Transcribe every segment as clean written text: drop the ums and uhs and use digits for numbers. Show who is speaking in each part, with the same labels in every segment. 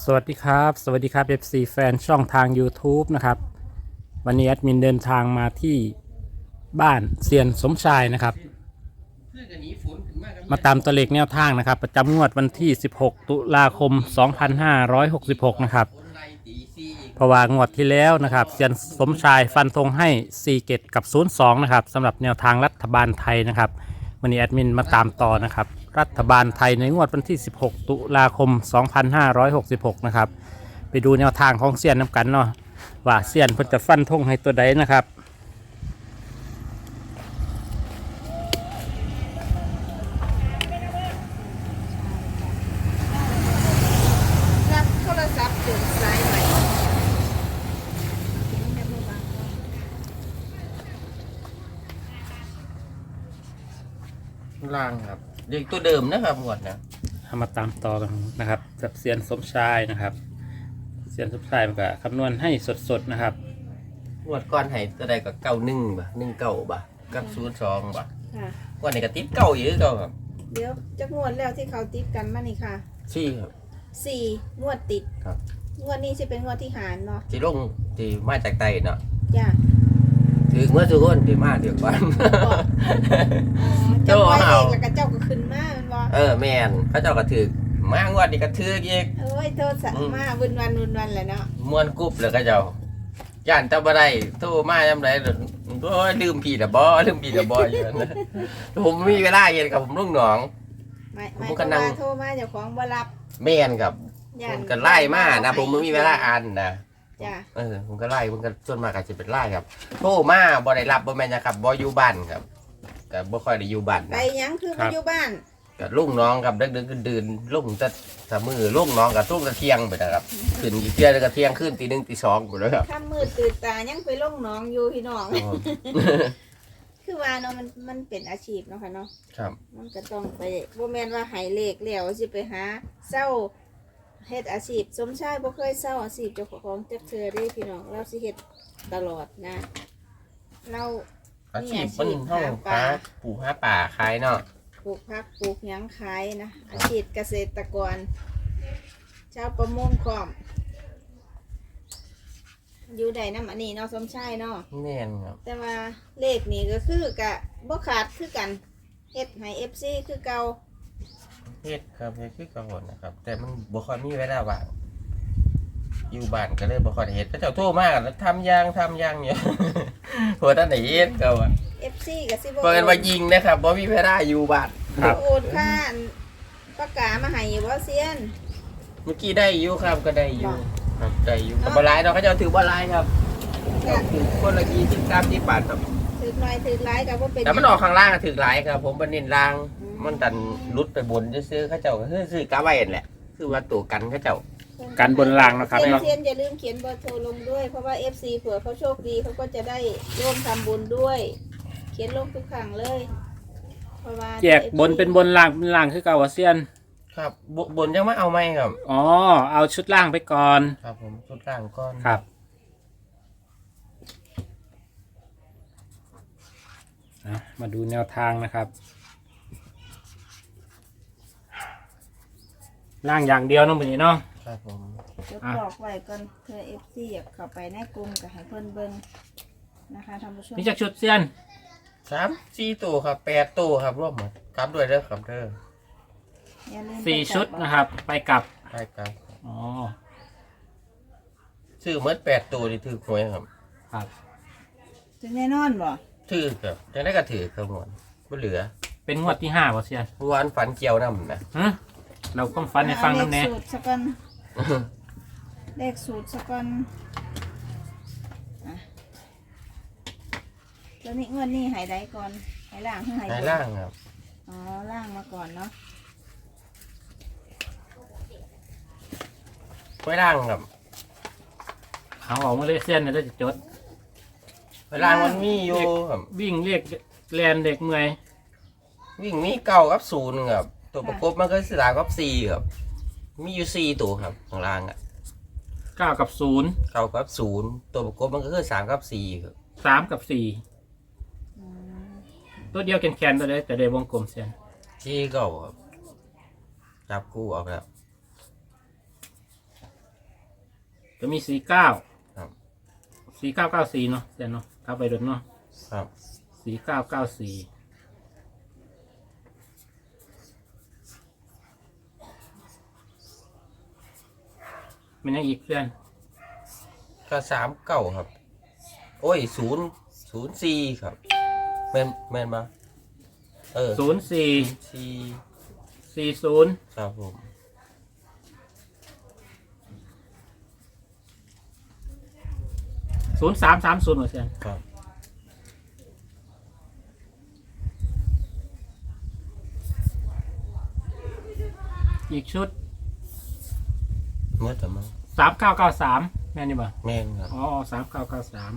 Speaker 1: สวัสดีครับสวัสดีครับ FC แฟนช่องทาง YouTube นะครับวันนี้แอดมินเดินทางมาที่บ้านเซียนสมชายนะครับมาตามตัวเลขแนวทางนะครับประจำงวดวันที่16ตุลาคม2566นะครับเพราะว่างวดที่แล้วนะครับเซียนสมชายฟันธงให้4เกตกับ02นะครับสำหรับแนวทางรัฐบาลไทยนะครับวันนี้แอดมินมาตามต่อนะครับรัฐบาลไทยในงวดวันที่16ตุลาคม2566นะครับไปดูแนวทางของเซียนน้ำกันเนาะว่าเซียนเพิ่นจะฟันธงให้ตัวใดนะครับ
Speaker 2: รับโทรศัพท์ถึงสายใหม่
Speaker 3: ล่างครับเด็กตัวเดิมนะครับหมดนะ
Speaker 1: เอามาตามต่อกันนะครับกับเซียนสมชายนะครับเซียนสมชายมันก็คำนวณให้สดๆนะครับ
Speaker 3: หมดก้อนไห้ตัวใดก็91บ่19บ่กับ02บ่
Speaker 2: ค่ะ
Speaker 3: วันนี้ก็ติดเก่าอยู่เก่าครับ
Speaker 2: เดี๋ยวจะงวดแล้วที่เขาติดกันมานี่ค่ะ
Speaker 3: 4ครับ
Speaker 2: 4 งวดติด
Speaker 3: ครับ
Speaker 2: งวดนี้จะเป็นงวดที่หารเนาะ
Speaker 3: ที่ลงที่มาจากใต้เนาะ
Speaker 2: จ้ะ
Speaker 3: ถือเมื่อทุกคนที่มาเดี๋ยวก่อน
Speaker 2: เจ้าไว้เองแล้วก็เจ้าก็ขึ้นมามันบ่
Speaker 3: แม่นเขาเจ้าก็ถือมางวดนี้ก็ถืออีก
Speaker 2: เอ้ยโทษสะมาวุ่นวันแหละเนาะ
Speaker 3: ม่วนกรุ๊บเลยเขาเจ้าย่านตะบ่ได้โทรมายามใดโอ้ยลืมพี่ละบ่อยู่นั่นนะผมมีเวลาเย็นกับผมลุงหนอง
Speaker 2: ไม่
Speaker 3: ผมก็นั่ง
Speaker 2: โทรมาเจ้าของบ่รับ
Speaker 3: แม่นครับ
Speaker 2: ย่า
Speaker 3: ผ
Speaker 2: น
Speaker 3: มก็ไล่มานะผมไม่มีเวลาอ่านนะ
Speaker 2: จ้ะ
Speaker 3: ผมก็ไล่ผมก็ส่วนมากอาจจะเป็นไล่ครับโทรมาบ่ได้รับบ่แม่นนะครับบ่อยู่บ้านครับก็บ่ค่อยได้อยู่บ้าน
Speaker 2: ไป
Speaker 3: นะ
Speaker 2: หยังคือมาอยู่บ้าน
Speaker 3: ก็ลุงน้องครับดึกๆดื่นๆลุงแต่มือลุงน้องก็ลุงแต่เที่ยงไปนะครับขึ้นอีกเที่ยงก็เที่ยงขึ้นตี 1ตี 2ไปแล้วครับ
Speaker 2: ค่ำมืดตื่นตายังไปลงหนองอยู่พี่น้อง คือว่าเนาะมันเป็นอาชีพเนาะค่ะเนาะ
Speaker 3: ครับ
Speaker 2: มันก็ต้องไปบ่แม่นว่าใหายเลขแล้วสิไปหาเศร้าเฮ็ดอาชีพสมชายบ่เคยเศร้าอาชีพเจ้าของจักเทื่อเด้พี่น้องเราสิเฮ็ดตลอดนะ เรา
Speaker 3: อาชีพมันเฮาหาปลูกหาป่าขายเนาะ
Speaker 2: ปลูกผักปลูกหยังขายนะอาชีพเกษตรกรชาวประมงพร้อมอยู่ได้นำอันนี้เนาะสมชายเนาะ
Speaker 3: แม่นครับ
Speaker 2: แต่ว่าเลขนี่ก็คือกะบ่ขาดคือกันเฮ็ดให้ FC คือเก่า
Speaker 3: เฮ็ดครับเฮ็ดคือเก่านะครับ แต่มันบ่ค่อยมีเวลาว่างอยู่บ้านก็เลยบ่ค่อยได้เฮ็ดเขาเจ้าโทรมาแล้วทำอย่างอยู่ หัวท่านได้เฮ็ดก็ว่า
Speaker 2: FC ก็สิบ่
Speaker 3: เปิดว่ายิงนะครับบ่มีเวลาอยู่บ้าน
Speaker 1: ครับ
Speaker 2: โอนค่าอันปากกามาให้อยู่บ่เซียน
Speaker 3: เมื่อกี้ได้อยู่ครับก็ได้อยู่ครับได้อยู่ก็บ่หลายเนาะเขาเจ้าถือบ่หลายครับถือคนละ20-30 บาทครับ
Speaker 2: ถือหน่อยถือหลายก็บ่เป็น
Speaker 3: แต่มันออกข้างล่างก็ถือหลายครับ ผมบ่เน้นล่าง มันดันลุดไปบนซื้อๆเขาเจ้าก็ซื้อกะไว้นั่นแหละคือว่าตัวกันเขาเจ้า
Speaker 1: การบนรางนะครับ
Speaker 2: เซียน
Speaker 1: เนาะ
Speaker 2: เซียนอย่าลืมเขียนเบอร์โทรลงด้วยเพราะว่า FC เผื่อเขาโชคดีเขาก็จะได้ร่วมทำบุญด้วย เขียนลงทุกครั้งเลยเพราะว่า
Speaker 1: แยกบนเป็นบนรางเป็นรางคือเก่าว่าเซียน
Speaker 3: ครับบนยังไม่เอาไหมครับ
Speaker 1: อ๋อเอาชุดล่างไปก่อน
Speaker 3: ครับผมชุดล่างก้อน
Speaker 1: ครับนะมาดูแนวทางนะครับล่างอย่างเดียวเน้องวันนี้เนาะ
Speaker 3: ครับผม
Speaker 2: จะบอกไว้ก่อนเพื่อ FC อยากเข้าไปในกลุ่มก็ให้เพิ่นเบิ่งนะคะท่านผู้ชม
Speaker 1: นี่จากชุดเซียน
Speaker 3: 3-4ตัวครับ8ตัวครับรวมหมดกลับด้วยเด้อครับเด้อ
Speaker 2: อย่าลืม
Speaker 1: 4 ชุดนะครับ ไปกลับ
Speaker 3: ใช่ครับ
Speaker 1: อ๋อ
Speaker 3: ซื้อหมด8ตัวนี่ถือหวยครับ
Speaker 1: ครับ
Speaker 2: ถึงแน่นอนบ่
Speaker 3: ถือครับจังได๋ก็ถือครับหมดบ่เหลือ
Speaker 1: เป็นงวดที่5ป่ะเซียน
Speaker 3: เมื่อวานฝันเกี่ยวนำนะ
Speaker 1: ฮะเราก็ฟันให้ฟังน้ำแน่
Speaker 2: เลขสูตรสักก่อนเลขสูตรสักก่อนอ่ะแล้วนี่งวดนี้ใหายใดก่อนใหายล่างหรือใหาย
Speaker 3: ใน
Speaker 2: บน
Speaker 3: ล่างครับ
Speaker 2: อ๋อล่างมาก่อนเนาะ
Speaker 3: ไว้ล่างครับ
Speaker 1: เอาออกมาเลยเซียนเนี่ยจะจด
Speaker 3: ไว้ล่างมันมีอยู่ครับ
Speaker 1: วิ่งเรียกแลนเด็กเมื่อย
Speaker 3: วิ่งมี9กับ0ครับตัวประกบมันก็คือ3กับ4ครับมีอยู่4ตัวครับข้างล่างอ่ะ
Speaker 1: 9 กับ 0
Speaker 3: 9กับ0ตัวประกบมันก็คือ3กับ4ครับ
Speaker 1: 3 กับ 4 ตัวเดียวแคนๆตัวเดียวแต่ได้วงกลมเซียน
Speaker 3: ที่เก่าครับจับคู่ออกแล้ว
Speaker 1: จะมี49
Speaker 3: ครับ
Speaker 1: 4994เนาะเสียนเนาะกลับไปโดนเนาะ
Speaker 3: ครับ
Speaker 1: 4994มันยังอีกเพื่อน
Speaker 3: ก็39ครับ โอ้ย004ครับแม่นบ่
Speaker 1: 04
Speaker 3: 4
Speaker 1: 40
Speaker 3: ครับผม
Speaker 1: 0330เหรอเสียน
Speaker 3: ครับ
Speaker 1: อีกชุด
Speaker 3: เมื่อแต่มั้ง
Speaker 1: 3993แม่นนี่บ่
Speaker 3: แม่นครับ
Speaker 1: อ๋อ3993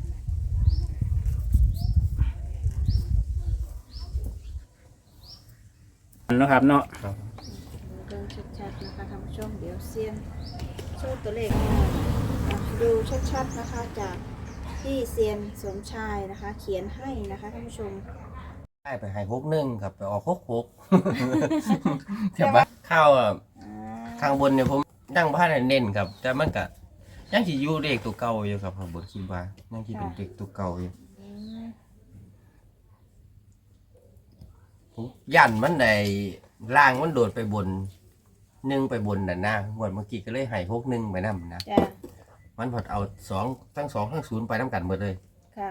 Speaker 1: นะครับเนาะ
Speaker 3: ครับ
Speaker 2: เบิ่งชัดๆนะคะท่านผู้ชมเดี๋ยวเซียนโชว์ตัวเลขให้หน่อยดูชัดๆนะคะจากที่เซียนสมชายนะคะ เขียนให้นะคะท่านผู้ชม
Speaker 3: ได้ไปให้61ครับไปออก66แต่ว่าข้าวข้างบนเนี่ยผมยังบ่ทันได้เน้นครับ แต่มันก็ยังสิอยู่เลขตัวเก่าอยู่ครับข้างบนคิดว่ายังสิเป็นเลขตัวเก่าอยู่
Speaker 2: อืม
Speaker 3: ผมยันมันในล่างมันโดดไปบน1ไปบนน่ะนะงวดเมื่อกี้ก็เลยให้61ไปนำนะ
Speaker 2: จ้ะ
Speaker 3: มันพอเอาทั้ง2ทั้ง0ไปนำกันหมดเลย
Speaker 2: ค่ะ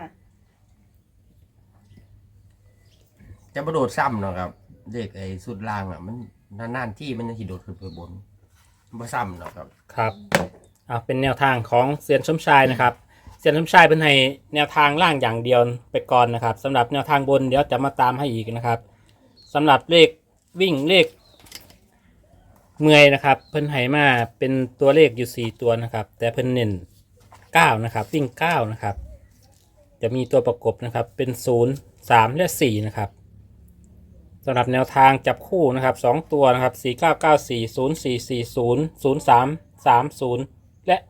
Speaker 3: จะบ่โดดซ้ำเนาะครับเลขไอ้สุดล่างอ่ะมันนานๆที่มันจะสิโดดขึ้นไปบนบ่ซ้ำเนาะครับ
Speaker 1: ครับเป็นแนวทางของเซียนสมชายนะครับเซียนสมชายเป็นให้แนวทางล่างอย่างเดียวไปก่อนนะครับสำหรับแนวทางบนเดี๋ยวจะมาตามให้อีกนะครับสำหรับเลขวิ่งเลขเมื่อยนะครับเพิ่นให้มาเป็นตัวเลขอยู่4ตัวนะครับแต่เพิ่นเน้น9นะครับวิ่ง9นะครับจะมีตัวประกบนะครับเป็น0 3และ4นะครับสำหรับแนวทางจับคู่นะครับ2ตัวนะครับ4994 0440 0330และ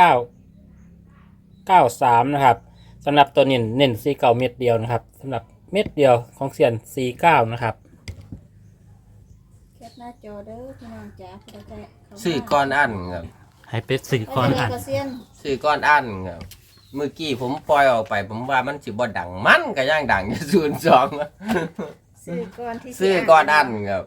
Speaker 1: 3993นะครับสำหรับตัวเน้น49เม็ดเดียวนะครับสำหรับเม็ดเดียวของเซียน49นะครับ
Speaker 2: แคปหน้าจอเด้อพี่น้องจ๋าเดี๋ยวจะเข้ามา
Speaker 3: ซื้อก้อนอันครับ
Speaker 1: ให้เป็ดสื่อก่อน
Speaker 2: ไม่
Speaker 1: อ่ะ
Speaker 2: ได้ก็เซียน
Speaker 3: ซื้อก้อนอันครับเมื่อกี้ผมปล่อยออกไป ผมว่ามันสิบ่ดังมันก็ย่างดังอยู่02
Speaker 2: ซื้อก่อนที่
Speaker 3: ซื้อก้อนอันครับ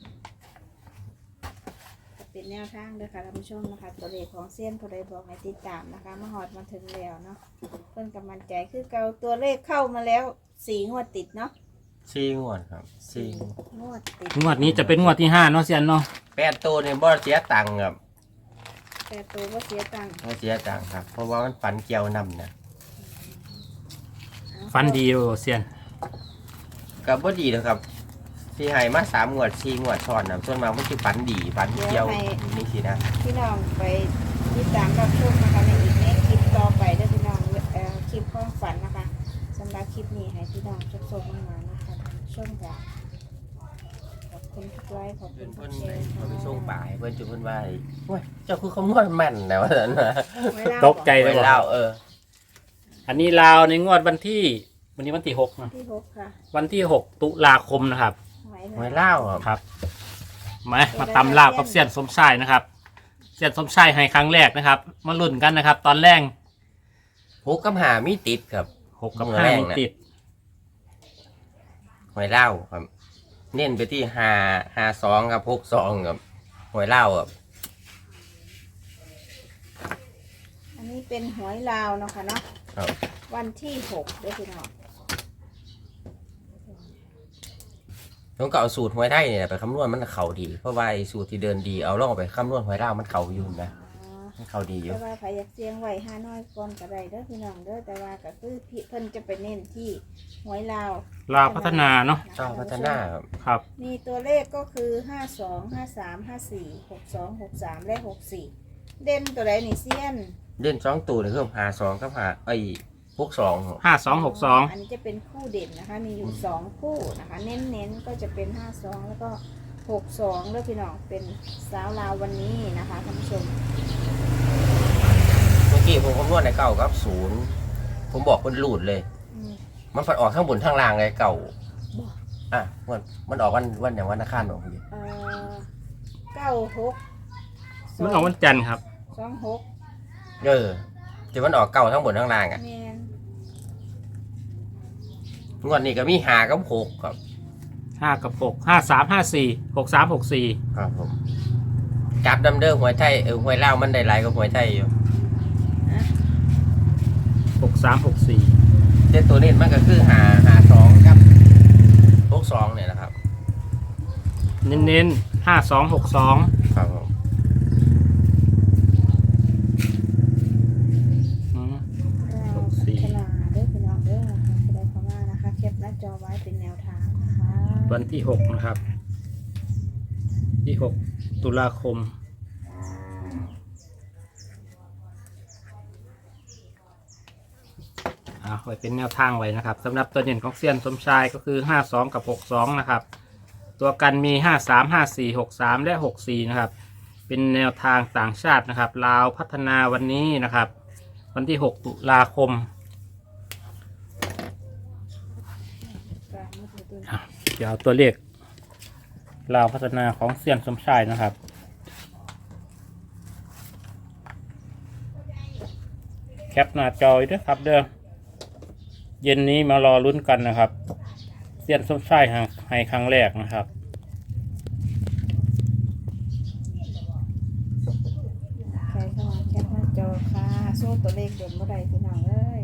Speaker 2: เป็นแนวทางเด้อค่ะท่านผู้ชมนะคะตัวเลขของเซียนผู้ใดบอกให้ติดตามนะคะมาหอดมาถึงแล้วเนาะเพิ่นกำลังใจคือเก่าตัวเลขเข้ามาแล้ว4งวดติดเนาะ
Speaker 3: 4 งวดครับ
Speaker 2: งวดติด
Speaker 1: งวดนี้จะเป็นงวดที่5เนาะเซียนเนาะ
Speaker 3: 8ตัวนี่บ่เสียตังค์ครับ
Speaker 2: แต่ตัวก็เสียตังค์
Speaker 3: บ่เสียตังค์ครับ เพราะว่ามันฝันเกี่ยวนำนะ
Speaker 1: ฟันดีโอเซียน
Speaker 3: ก็บ่ดีแล้วครับที่ให้มา3งวด4งวดซ้อนน่ะส่วนมากมันสิฝันดีฝันเกี่ยวนี่สินะ
Speaker 2: พี่น้องไปติดตามรับชมนะคะในอีกในคลิปต่อไปเด้อพี่น้องคลิปความฝันนะคะสำหรับคลิปนี้ให้พี่น้องชมมานะคะท่านผู้ชมค่ะขอบคุณทุกไลค์ขอบคุ
Speaker 3: เพิ่
Speaker 2: ณ
Speaker 3: น
Speaker 2: ทุกแชร์
Speaker 3: เขาไปส่งป่าให้เพิ่นจุเพิ่นว่าโอ้ยเจ้าคือคำนวณแม่นแล้วว่าซั่นนะ
Speaker 1: ตกใจ
Speaker 3: ไป
Speaker 1: เลย
Speaker 3: เล่า
Speaker 1: อันนี้ลาวในงวดวันที่วันที่6นะ
Speaker 2: ที่หกค่ะ
Speaker 1: วันที่6ตุลาคมนะครับ
Speaker 3: ไว้เล่าครับ
Speaker 1: ครับมาตำลาวกับเซียนสมชายนะครับเซียนสมชายให้ครั้งแรกนะครับมาลุ้นกันนะครับ ตอนแรก
Speaker 3: 6กับ5มีติดครับ
Speaker 1: 6 กับ
Speaker 3: มือแรก
Speaker 1: 5มี
Speaker 3: นะ
Speaker 1: ติด
Speaker 3: ไว้เล่าครับ เน้นไปที่52กับ62ครับไว้เล่าครับ
Speaker 2: อันนี้เป็นหวยลาวเนาะค่ะเนาะ
Speaker 3: ครับ
Speaker 2: วันที่6ด้วยพี่น้อง
Speaker 3: ต้องก็เอาสูตรหวยได้เนี่ยไปคำนวณมันเข้าดีเพราะว่าไอ้สูตรที่เดินดีเอาลองเอาไปคำนวณหวยเล่ามันเข้าอยู่นะ
Speaker 2: อ๋อ
Speaker 3: มันเข้าดีอยู่
Speaker 2: แต่ว่าใครอยากเสียงไว้5น้อยก่อนก็ได้เด้อพี่น้องเด้อแต่ว่าก็คือพี่เพิ่นจะไปเน้นที่หวยลาว
Speaker 1: ลาวพัฒนาเนาะ
Speaker 3: เจ้าพัฒนาครับ
Speaker 1: ครับ
Speaker 2: มีตัวเลขก็คือ52 53 54 62 63 และ 64 เด่นตัวใดนี่เซียน
Speaker 3: เล่น2ตัวนี่คือ52กับ62ครับ
Speaker 1: 5262
Speaker 2: อันนี้จะเป็นคู่เด่นนะคะ มีอยู่2คู่นะคะ เน้นๆก็จะเป็น52แล้วก็62แล้วพี่น้องเป็นสาวลาววันนี้นะคะท่านผู้ชม
Speaker 3: เมื่อกี้ผมคำนวณในเก่ากับ0ผมบอกคนหลุดเลย
Speaker 2: อืม
Speaker 3: มันฝันออกข้างบนข้างล่างเลยเก่า
Speaker 2: บ่
Speaker 3: อ่ะมันออกวันอย่างวันอังคารบอกพี่
Speaker 2: เอ่อ96
Speaker 1: มันออกวันจันทร์ครับ
Speaker 2: 26
Speaker 3: ที่มันออกเก่าทั้งบนทั้งล่างอ่ะ
Speaker 2: แม่น
Speaker 3: งวดนี้ก็มีหากับหกครับ
Speaker 1: 5 กับ 6 5 3 5 4 6 3 6 4
Speaker 3: ครับผมจับดำเด้อหวยไทยหวยลาวมันได้หลายกว่าหวยไทยอยู่
Speaker 1: 6 3 6 4
Speaker 3: แต่ตัวนี้มันก็คือหาสองครับ62เนี่ยนะครับ
Speaker 1: เน้นๆ5 2 6 2
Speaker 3: ครับผม
Speaker 1: อืม
Speaker 2: เราพัฒนาเด้อพี่น้องเด้อนะคะจะได้เข้ามานะคะแคปหน้าจอไว้เป็นแนวทางนะคะ
Speaker 1: วันที่ 6 นะครับที่ 6 ตุลาคมไว้เป็นแนวทางไว้นะครับสำหรับตัวเด่นของเซียนสมชายก็คือ 52 กับ 62 นะครับ ตัวกันมี 53 54 63 และ 64 นะครับ เป็นแนวทางต่างชาตินะครับลาวพัฒนาวันนี้นะครับ วันที่ 6 ตุลาคม เดี๋ยวเอาตัวเลขลาวพัฒนาของเซียนสมชายนะครับ แคปหน้าจอไว้ด้วยครับเด้อเย็นนี้มารอลุ้นกันนะครับเซียนสมชายให้ครั้งแรกนะครับ
Speaker 2: ใครเข้ามาแคปหน้าจอค่ะโซ่ตัวเลขเด่นเมื่อใดพี่น้องเอ้ย